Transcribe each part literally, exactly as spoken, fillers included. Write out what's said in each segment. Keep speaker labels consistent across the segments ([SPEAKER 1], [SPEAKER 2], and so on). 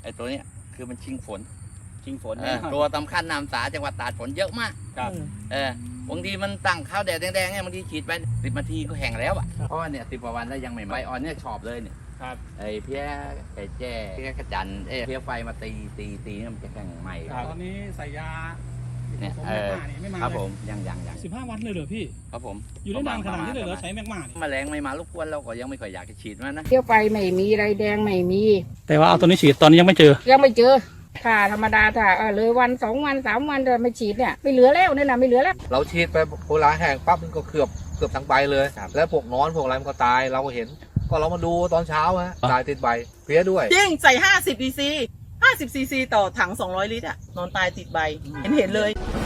[SPEAKER 1] อ้ตัวเนี้ยคือมันชิงฝน
[SPEAKER 2] ชิงฝน
[SPEAKER 1] เออตัวสำคัญนามสาจังหวัดตราดฝนเยอะมาก
[SPEAKER 2] ครับ
[SPEAKER 1] เออบางทีมันตั้งข้าวแดดแดงๆเนี่ยบางทีฉีดไปสิบนาทีก็แห้งแล้วอ่ะเพราะว่าเนี่ยสิบกว่าวันแล้วยังไม่ใบอ่อนเนี่ยชอบเลยเนี่ย
[SPEAKER 2] ครับ
[SPEAKER 1] ไอ้เพี้ยไก่แจ้เพี้ยกระจันเอ้ยเพี้ยไฟมาตีตีตีเนี่ยมันจะแข็งใหม่
[SPEAKER 2] ครับ
[SPEAKER 3] ตอนนี้ใส่ยา
[SPEAKER 1] เนี่ย
[SPEAKER 3] ผสม
[SPEAKER 1] เอ
[SPEAKER 3] แมก
[SPEAKER 1] อ
[SPEAKER 3] มานี่ไม่มา
[SPEAKER 1] ครับ
[SPEAKER 3] เล
[SPEAKER 1] ผ
[SPEAKER 3] ย
[SPEAKER 1] มยังยังยัง
[SPEAKER 3] สิบห้าวันเลยเหรอพี่
[SPEAKER 1] ครับผม
[SPEAKER 3] อยู่ได้นานขนาดนี้เลยเหรอใช้แมกมานี่
[SPEAKER 1] แมลงไม่มารบกวนเราก็ยังไม่ค่อยอยากจะฉีดมันนะ
[SPEAKER 4] เที่ยวไปไม่มีไรแดงไม่มี
[SPEAKER 3] แต่ว่าเอาตัวนี้ฉีดตอนนี้ยังไม่เจอ
[SPEAKER 4] ยังไม่เจอถ้าธรรมดาถ้าเออเลยวันสองวันสามวันเดินไม่ฉีดเนี่ยไม่เหลือแล้วเนี่ยนะไม่เหลือแล้ว
[SPEAKER 5] เราฉีดไปโบราณแห้งปั๊บมันก็เกือบเกือบทั้งใบเลย แล้วพวกนอนพวกอะไรมันก็ตายเราก็เห็น ก็เรามาดูตอนเช้าฮะตายติดใบเพี้ยด้วย
[SPEAKER 6] จริงใส่ ห้าสิบ ซีซี ห้าสิบ ซีซี ต่อถัง สองร้อย ลิตรอะนอนตายติดใบ เห็นเห็นเลย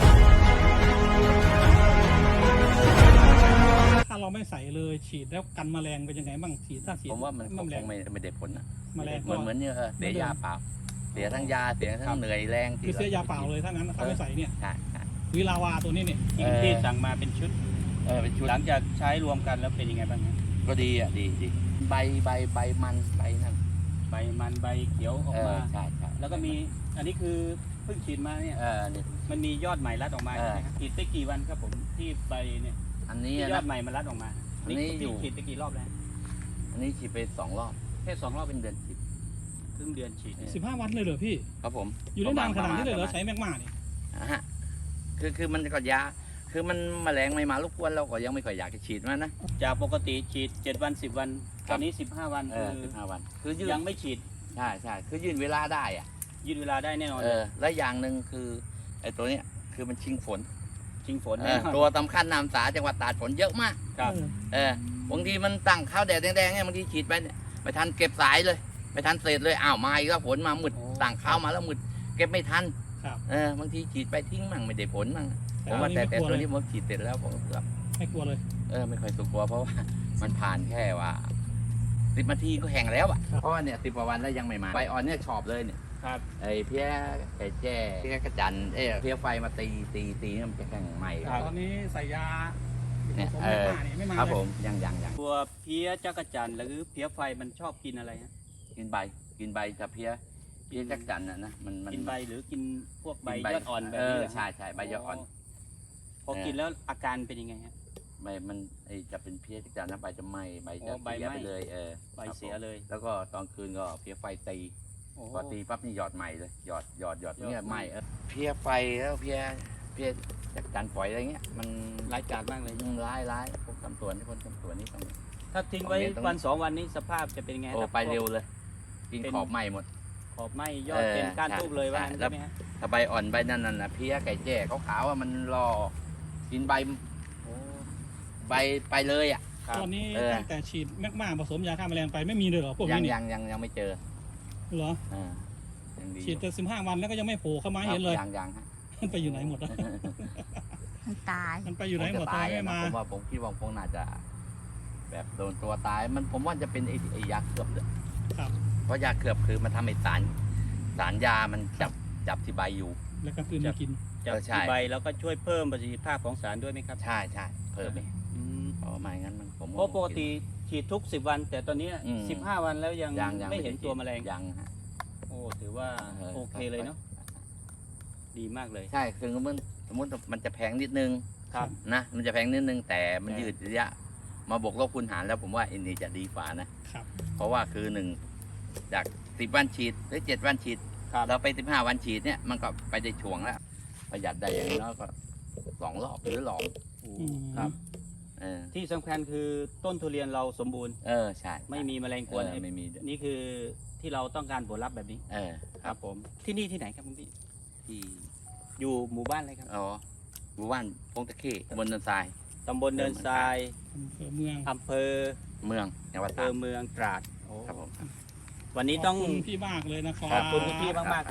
[SPEAKER 3] ถ้าเราไม่ใส่เลยฉีดแล้วกันแมลงเป็นยังไงบ้างฉีดถ้าฉีด
[SPEAKER 1] ผมว่ามันค
[SPEAKER 3] แมล
[SPEAKER 1] ง
[SPEAKER 3] ง
[SPEAKER 1] ไม่ไม่ได้ผลนะ
[SPEAKER 3] แมลง
[SPEAKER 1] เหมือนเหมือนเนี่ยเออเสียยาเปล่าเสียทั้งยาเสียทั้งเหนื่อยแรง
[SPEAKER 3] คือเสียยาเปล่าเลยถ้างั้นถ้าไม่ใส่เนี่ย
[SPEAKER 1] ใช่ใช่
[SPEAKER 3] วิลาวาตัวนี้เนี่ย
[SPEAKER 2] ที่ที่สั่งมาเป็นชุด
[SPEAKER 1] เออเป็นชุด
[SPEAKER 2] หลังจากใช้รวมกันแล้วเป็นยังไงบ้างครับ
[SPEAKER 1] ก็ดีอ่ะดีดีใบใบใบมันใบนั่น
[SPEAKER 2] ใบมันใบเขียวออก
[SPEAKER 1] เออ
[SPEAKER 2] มา
[SPEAKER 1] ใช่ใช่
[SPEAKER 2] แล้วก็มีอันนี้คือเพิ่งฉีดมาเนี่ย
[SPEAKER 1] เออนี่
[SPEAKER 2] มันมียอดใหม่รัดออกมา
[SPEAKER 1] เออ
[SPEAKER 2] ใช่ไหมครับฉีดไปกี่วันครับผมที่ใบเนี่ย
[SPEAKER 1] อันนี้
[SPEAKER 2] ที่ยอ
[SPEAKER 1] นะ
[SPEAKER 2] ดใหม่มันรัดออกมา
[SPEAKER 1] อันนี้
[SPEAKER 2] นี่
[SPEAKER 1] อยู่
[SPEAKER 2] ฉีดไปกี่รอบแล้ว
[SPEAKER 1] อันนี้ฉีดไปสองรอบ
[SPEAKER 2] แค่สองรอบ
[SPEAKER 1] เป็นเดือนฉีด
[SPEAKER 2] ครึ่งเดือนฉีดเนี่ย
[SPEAKER 3] สิบห้าวันเลยเหรอพี่
[SPEAKER 1] ครับผม
[SPEAKER 3] อยู่ได้นานขนาดนี้เลยเหรอ
[SPEAKER 1] ประมาณ
[SPEAKER 3] ใช้แมกมานี่
[SPEAKER 1] อ่าฮะคือคือมันก็ยาคือมันแมลงไม่มารบกวนเราก็ยังไม่ค่อยอยากจะฉีดมันนะ
[SPEAKER 2] จากปกติฉีดเจ็ดวันสิบวัน
[SPEAKER 1] ครั
[SPEAKER 2] ตอบ นนี้สิบห้าวัน
[SPEAKER 1] เอ
[SPEAKER 2] คือ อ
[SPEAKER 1] สิบห้าวัน คือยืด
[SPEAKER 2] ยังไม่ฉีด
[SPEAKER 1] ใช่ใช่คือยืดเวลาได้อ่ะ
[SPEAKER 2] ยืดเวลาได้แน่นอน
[SPEAKER 1] เออและอย่างหนึ่งคือไอ้ตัวเนี้ยคือมันชิงฝน
[SPEAKER 2] ชิงฝน
[SPEAKER 1] เอ
[SPEAKER 2] แน่
[SPEAKER 1] อน
[SPEAKER 2] อน
[SPEAKER 1] ตัวสำคัญนามสาจังหวัดตราดฝนเยอะมาก
[SPEAKER 2] ครับ
[SPEAKER 1] เออบางทีมันตั้งข้าวแดดแดงๆเนี่ยบางทีฉีดไปเนี่ยไม่ทันเก็บสายเลยไม่ทันเศษเลยอ้าวมาอีกแล้วฝนมามืดตั้งข้าวมาแล้วมืดเก็บไม่ทัน
[SPEAKER 3] ครับ
[SPEAKER 1] เออบางทีฉีดไปทิ้งมั่งไม่ได้ผลมั่งผมว่า
[SPEAKER 3] อัน
[SPEAKER 1] แต่
[SPEAKER 3] นี้
[SPEAKER 1] แต่
[SPEAKER 3] ไม่กลัว
[SPEAKER 1] ตัว
[SPEAKER 3] เลย
[SPEAKER 1] นี้ผมฉีดเสร็จแล้วผมเกือบ
[SPEAKER 3] ไม่กลัวเลย
[SPEAKER 1] เออไม่ค่อยสุกลัวเพราะว่า มันผ่านแค่ว่าสิบนาทีก็แห้งแล้วอ่ะเพราะว่าเนี่ยสิบกว่าวันแล้วยังไม่มาใบอ่อนเนี่ยชอบเลยเนี่ย
[SPEAKER 2] ครับ
[SPEAKER 1] ไอ้เพี้ยไก่แจ้เพี้ยกระจันเอ้ยเพี้ยไฟมาตีตีตีเนี่ยมันจะแข็งใหม่
[SPEAKER 3] ตอนนี้ใส่ยาผ
[SPEAKER 1] เนี่ย
[SPEAKER 3] สม
[SPEAKER 1] เอ
[SPEAKER 3] แมก
[SPEAKER 1] อ
[SPEAKER 3] มานี่ไม่มา
[SPEAKER 1] ครับ
[SPEAKER 3] เล
[SPEAKER 1] ผ
[SPEAKER 3] ย
[SPEAKER 1] มยังยังยัง
[SPEAKER 2] ตัวเพี้ยจักรจันทร์หรือเพี้ยไฟมันชอบกินอะไรฮะ
[SPEAKER 1] กินใบกินใบจะเพี้ยเพี้ยจักจันน่ะนะมันมัน
[SPEAKER 2] กินใบหรือกินพวกใบ
[SPEAKER 1] กิน
[SPEAKER 2] ยอดอ่อนแบบ
[SPEAKER 1] เอ
[SPEAKER 2] นี้
[SPEAKER 1] อ
[SPEAKER 2] เหรอ
[SPEAKER 1] ใช่ใช่ใบยอดอ่อน
[SPEAKER 2] พอกินแล้วอาการเป็นยังไงฮะ
[SPEAKER 1] ใบมันไอจะเป็นเพี้ยจักจันแล้วใบจะไหม้ใบ
[SPEAKER 2] อ๋
[SPEAKER 1] จะ
[SPEAKER 2] อใบ
[SPEAKER 1] เสีย
[SPEAKER 2] ไหม้
[SPEAKER 1] ไปเลยเออ
[SPEAKER 2] ใบเสีย
[SPEAKER 1] ครับผม
[SPEAKER 2] เลย
[SPEAKER 1] แล้วก็ตอนคืนก็เพี้ยไฟตี
[SPEAKER 2] โอ้
[SPEAKER 1] พอตีปั๊บนี่หยอดใหม่เลยหยอดหยอดหยอด
[SPEAKER 2] หยอด
[SPEAKER 1] เนี่ย
[SPEAKER 2] ให
[SPEAKER 1] ไห
[SPEAKER 2] ม่
[SPEAKER 1] ม่เออเพี้ยไฟแล้วเพี้ยเพี้ยจักจันฝอยอะไรเงี้ยมัน
[SPEAKER 2] ร้ายกาจมากเลย
[SPEAKER 1] มันร้ายร้ายพวกตำสวนที่คนตำสวนนี่ต้อง
[SPEAKER 2] ถ้าทิ้งไว้
[SPEAKER 1] ตรงนี้ตรงนี้
[SPEAKER 2] วันสองวันนี้สภาพจะเป็นยังไง
[SPEAKER 1] โอ้
[SPEAKER 2] ครับ
[SPEAKER 1] ไปเร็วเลย กิน
[SPEAKER 2] เป็น
[SPEAKER 1] ขอบไหม้หมด
[SPEAKER 2] ขอบไหมยอด
[SPEAKER 1] เออ
[SPEAKER 2] เป็นก้าน
[SPEAKER 1] ใช่
[SPEAKER 2] ทูบเลยว่า
[SPEAKER 1] ใช่
[SPEAKER 2] งั้น
[SPEAKER 1] แล้
[SPEAKER 2] ใช่
[SPEAKER 1] ว
[SPEAKER 2] ไหมฮะ
[SPEAKER 1] ถ้าใบอ่อนใบนั่นน่ะเพี้ยไก่แจ้ขาวๆว่ามันรอกินใบ
[SPEAKER 2] โอ้
[SPEAKER 1] ใบไปเลยอ่ะ
[SPEAKER 2] ครับ
[SPEAKER 3] ตอนนี้
[SPEAKER 1] เออ
[SPEAKER 3] ตั้งแต่ฉีดแมกมาผสมยาฆ่าแมลงไปไม่มีเลยเหรอพวก
[SPEAKER 1] ยั
[SPEAKER 3] นี้
[SPEAKER 1] ง
[SPEAKER 3] นี่
[SPEAKER 1] ยังยังยังไม่เจอ
[SPEAKER 3] เหรอ
[SPEAKER 1] อ่ายังดี
[SPEAKER 3] ฉีดแต่สิบห้าวันแล้วก็ยังไม่โผล่เข้ามาให้เห็นเลย
[SPEAKER 1] ยังยังฮะ
[SPEAKER 3] มันไปอยู่ไหนหมดอะ
[SPEAKER 4] มันตาย
[SPEAKER 3] มันไปอยู่ไหนหมดทำไมไม่มา
[SPEAKER 1] ผมว่าผมคิดว่าคงน่าจะ แบบโดนตัวตายมันผมว่าจะเป็นไอ้ไอ้ยาเคลือบเลย
[SPEAKER 3] ครับ
[SPEAKER 1] เพราะยาเคลือบคือมันทำให้สารสารยามันจับจับที่ใบอยู่
[SPEAKER 3] แล้วก็คืนมากิน
[SPEAKER 2] จาก
[SPEAKER 1] เออใช่
[SPEAKER 2] ที่ใบแล้วก็ช่วยเพิ่มประสิทธิภาพของสารด้วยไหมครับ
[SPEAKER 1] ใช่ใช่เพิ่มไป
[SPEAKER 2] อืม
[SPEAKER 1] เพราะไม่งั้นมันผม
[SPEAKER 2] เพราะปกติฉีดทุกสิบวัน แต่ตอนนี้
[SPEAKER 1] อืม
[SPEAKER 2] สิบห้าวันแล้วยัง
[SPEAKER 1] ยังยัง
[SPEAKER 2] ไม่เห็นตัวแมลง
[SPEAKER 1] ยังฮะ
[SPEAKER 2] โอ้ถือว่า
[SPEAKER 1] เออ
[SPEAKER 2] โอเคเลยเนาะดีมากเลย
[SPEAKER 1] ใช่คือมันสมมติมันจะแพงนิดนึง
[SPEAKER 2] ครับ
[SPEAKER 1] นะมันจะแพงนิดนึงแต่มัน
[SPEAKER 2] ใช่
[SPEAKER 1] ยืดระยะ มาบวกลบคูณหารแล้วผมว่าอันนี้จะดีกว่านะครับ เพราะว่าคือหนึ่งจากสิบวันฉีดหรือเจ็ดวันฉีด
[SPEAKER 2] ครับ
[SPEAKER 1] เราไปสิบห้าวันฉีดเนี่ยมันก็ไปได้ช่วงแล้วประหยัดได้อย่างน้อยก็สองรอบหรือหลอง
[SPEAKER 3] อืม
[SPEAKER 2] ครับ
[SPEAKER 1] เออ
[SPEAKER 2] ที่สำคัญคือต้นทุเรียนเราสมบูรณ์
[SPEAKER 1] เออใช่
[SPEAKER 2] ไม่มีแมลงก
[SPEAKER 1] เอ
[SPEAKER 2] วน
[SPEAKER 1] อไม่มีด้วย
[SPEAKER 2] นี่คือที่เราต้องการผลลัพธ์แบบนี้
[SPEAKER 1] เออ
[SPEAKER 2] ครับผมที่นี่ที่ไหนครับคุณพี่
[SPEAKER 1] ที่
[SPEAKER 2] อยู่หมู่บ้านอะไรครับ
[SPEAKER 1] อ๋อหมู่บ้านพงตะเข้บนเนินทราย
[SPEAKER 2] ตำบลเนินทราย
[SPEAKER 3] อำเภอเมือง
[SPEAKER 2] อำเภอ
[SPEAKER 1] เมืองจังหวัด
[SPEAKER 2] อำเภ
[SPEAKER 1] ตรา
[SPEAKER 2] อ
[SPEAKER 1] ด
[SPEAKER 2] เมืองตราดโอ้
[SPEAKER 1] ครับผม
[SPEAKER 2] วันนี้ต้อง
[SPEAKER 3] ขอบคุณพี่มากเลยนะครับ
[SPEAKER 2] ขอบคุณคุณพี่มากๆครับ